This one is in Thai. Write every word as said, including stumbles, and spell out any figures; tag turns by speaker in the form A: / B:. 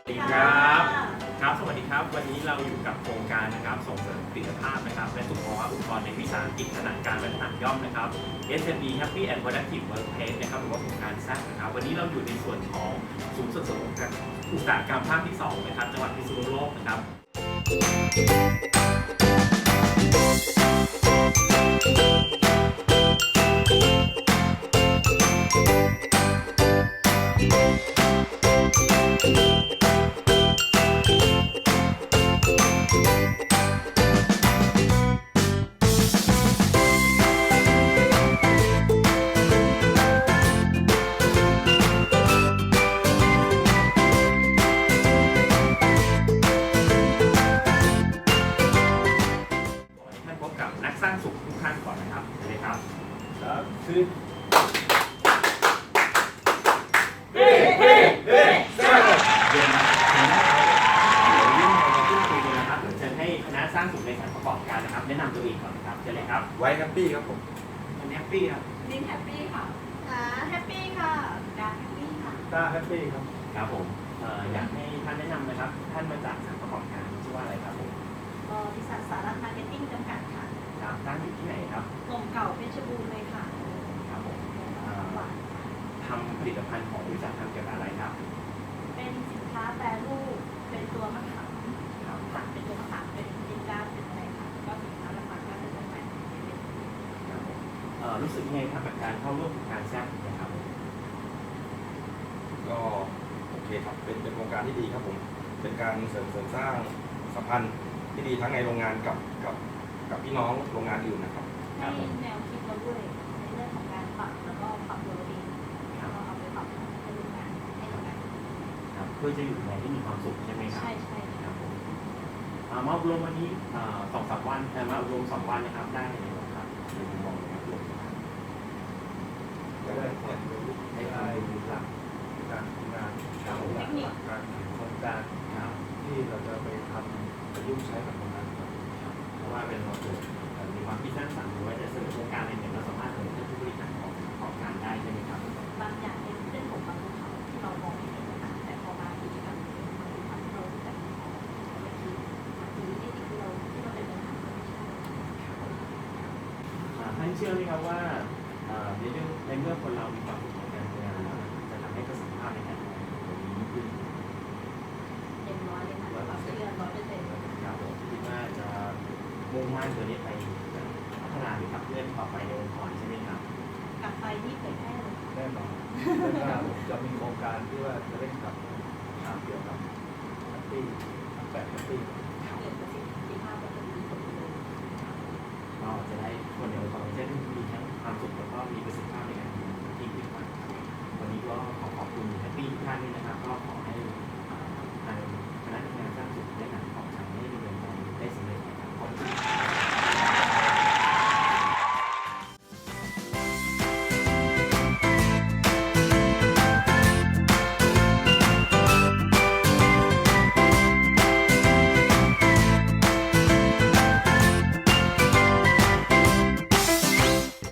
A: สวัสดีครับครับสวัสดีครับวันนี้เราอยู่กับโครงการนะครับส่งเสริมผลิตภาพนะครับและสุขภาวะอุปกรณ์ในวิสาหกิจขนาดกลางและขนาดย่อมนะครับ เอส เอ็ม อี Happy and Productive Workplace นะครับหรือว่าโครงการแซกนะครับวันนี้เราอยู่ในส่วนของศูนย์ส่งเสริมอุตสาหกรรมภาคที่สองนะครับจังหวัดพิษณุโลกนะครับพบกับนักสร้างสุขทุกท่านก่อนนะครับเลยครับครับคือเฮ้เฮ้เฮ้สร้างเดี๋ยวนะเดี๋ยวยื่นมาพูดคุยกันนะครับเดี๋ยวเชิญให้คณะสร้างสุขในสถานประกอบการนะครับแนะนำตัวเองก่อนครับเชิญเลยครับ
B: ไว้แฮปปี้ครับผม
A: อันนี้แฮปปี้ครับ
C: ลินแฮปปี้ค่ะอ่าแฮปปี้ค่ะดาแฮปปี้ค่ะ
B: ตาแฮปปี้ครับ
A: ครับผมอยากให้ท่านแนะนำนะครับท่านมาจากสถานประกอบการชื่อว่าอะไรครับผม
C: บริษัทสารัตมาร์เก็ตติ้งจำกัดค่ะ
A: ครับตั้งอยู่ที่ไหนครับ
C: กลมเก่าเพชรบูรณ์เลยค่ะ
A: ครับผมทำผลิตภัณฑ์ของบริษัททำเกี่ยวกับอะไรครับ
C: เป็นสินค้าแปรรูปเป็นตัวมะขามค่ะเป็นตัวมะขามเป็นดินก้าเป็นอะไรค่ะก็สินค้าหลักๆก็เป็นจำหน่ายในเว็บ
A: ครับผมรู้สึกยังไงครับกับการเข้าร่วมโครงการแซกนะครับ
B: ก็โอเคครับเป็นเป็นโครงการที่ดีครับผมเป็นการเสริมเสริมสร้างสัมพันธ์ที่ดีทั้งในโรงงานกับกับกับพี่น้องโรงงานอื่นนะครับ
C: ให้แนวคิดเราด้วยในเรื่องของการปรับแล้วก็ปรับตัวเองแล้วก็เอาไปปรับให้โรงงานให้โรงงาน
A: ครับเพื่อจะอยู่ในที่มีความสุขใช่ไหมครับ
C: ใช่ใช่ค
A: ค
C: รั
A: รั
C: บบ
A: ผมมาอบรมวันนี้สองสามวันมาอบรมสองวันนะครับได้เลยครับในมุมมองนะครับ
B: ก็ได้เนี่ย
A: ให้ความรู้หลัก
D: การทำงาน
A: ครับผม
D: หลักการโครงการ
A: ครับ
D: ที่เราจะไปทำประยุกต์ใช้กับโรงงานครับ
A: เพราะว่าเป็นเราเกิดมีความคิดสร้างสรรค์หรือว่าจะเสนอโครงการอะไรเนี่ยเราสามารถเสนอให้ผู้บริหารของประกอบการได้ใช่ไหมครับ
C: บางอย่างเป็นเรื่องของบางภูเขาที่เรามองไม่เห็นนะคะแต่พอมากิจกรรมนี้มันทำให้เรารู้จักของบางทีบางทีนี่ที่เราที่เราเป็นปัญหาก็ไม่ใช่
A: ท่านเชื่อไหมครับว่าในเรื่องในเมื่อคนเรามีความสุขในการทำงานแล้วจะทำให้ประสิทธิภาพในการทำงานของเราดีขึ้น
C: เต็มร้อยเลยค่ะความเชื่อร้อยเปอร์เซ็นต์
A: ครับผมคิดว่าจะมุ่งมั่นตัวนี้ไปพัฒนาหรือขับเคลื่อนต่อไปในองค์กรใช่ไหมครับ
C: กลับไปนี่เผยแพร่เลย
D: แน่นอนแล้วก็จะมีโครงการที่ว่าจะเร่งกับทางเกี่ยวกับแฮปปี้แบบแฮปปี้
C: เกิดประสิทธิภาพก็จะดีกว่าเดิม
A: ก็จะได้คนในองค์กรจะได้มีทั้งความสุขแล้วก็มีประสิทธิภาพในการทำงานที่ดีขึ้นมากครับวันนี้ก็ขอขอบคุณแฮปปี้ทุกท่านด้วยนะครับก็ขอ